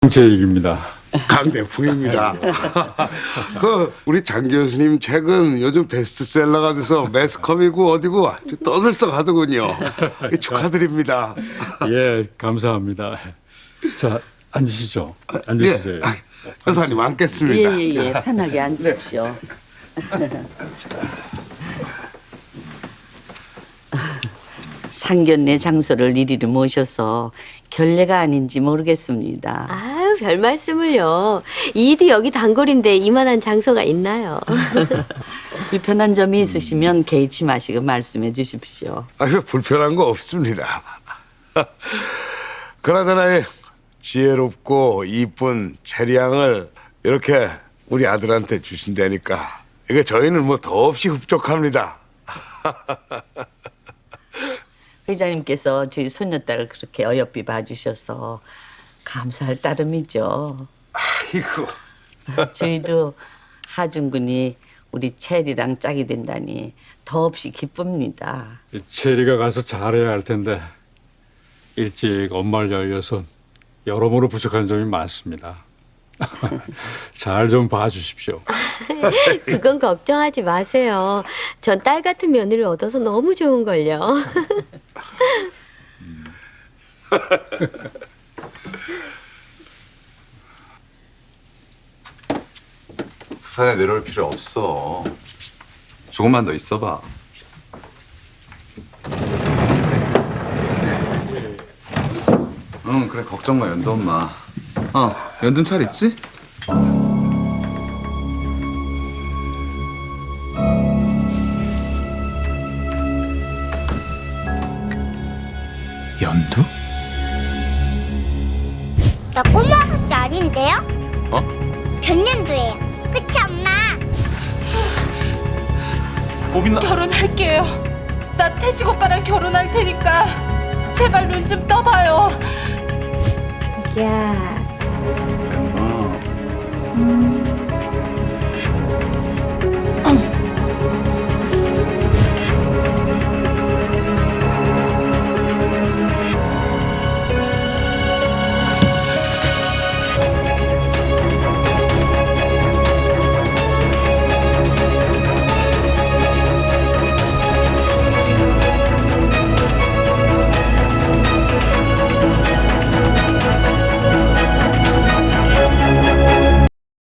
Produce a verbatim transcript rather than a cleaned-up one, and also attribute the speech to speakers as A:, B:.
A: 제 얘기입니다.
B: 강대풍입니다. 그 우리 장 교수님 책은 요즘 베스트셀러가 돼서 매스컴이고 어디고 아주 떠들썩하더군요. 축하드립니다.
A: 예, 감사합니다. 자, 앉으시죠. 앉으세요.
B: 예, 여사님 앉겠습니다.
C: 예예예 예, 편하게 앉으십시오. 상견례 장소를 이리로 모셔서 결례가 아닌지 모르겠습니다.
D: 아유, 별 말씀을요. 이도 여기 단골인데 이만한 장소가 있나요?
C: 불편한 점이 있으시면 개의치 마시고 말씀해 주십시오.
B: 아유, 불편한 거 없습니다. 그나저나 지혜롭고 이쁜 체리양을 이렇게 우리 아들한테 주신다니까 이게 저희는 뭐 더없이 흡족합니다.
C: 회장님께서 저희 손녀딸을 그렇게 어여삐 봐주셔서 감사할 따름이죠.
B: 아이고.
C: 저희도 하준군이 우리 체리랑 짝이 된다니 더없이 기쁩니다.
A: 체리가 가서 잘해야 할 텐데 일찍 엄마를 열려서 여러모로 부족한 점이 많습니다. 잘 좀 봐주십시오.
D: 그건 걱정하지 마세요. 전 딸 같은 며느리를 얻어서 너무 좋은걸요.
E: 부산에 내려올 필요 없어. 조금만 더 있어봐. 응, 그래, 걱정 마, 연두 엄마. 어, 연두는 잘 있지? 연두?
F: 나 꼬마 아가씨 아닌데요?
E: 어?
F: 변년도예요. 그치 엄마?
E: 보빈아.
G: 결혼할게요. 나 태식 오빠랑 결혼할 테니까 제발 눈 좀 떠봐요.
D: 야,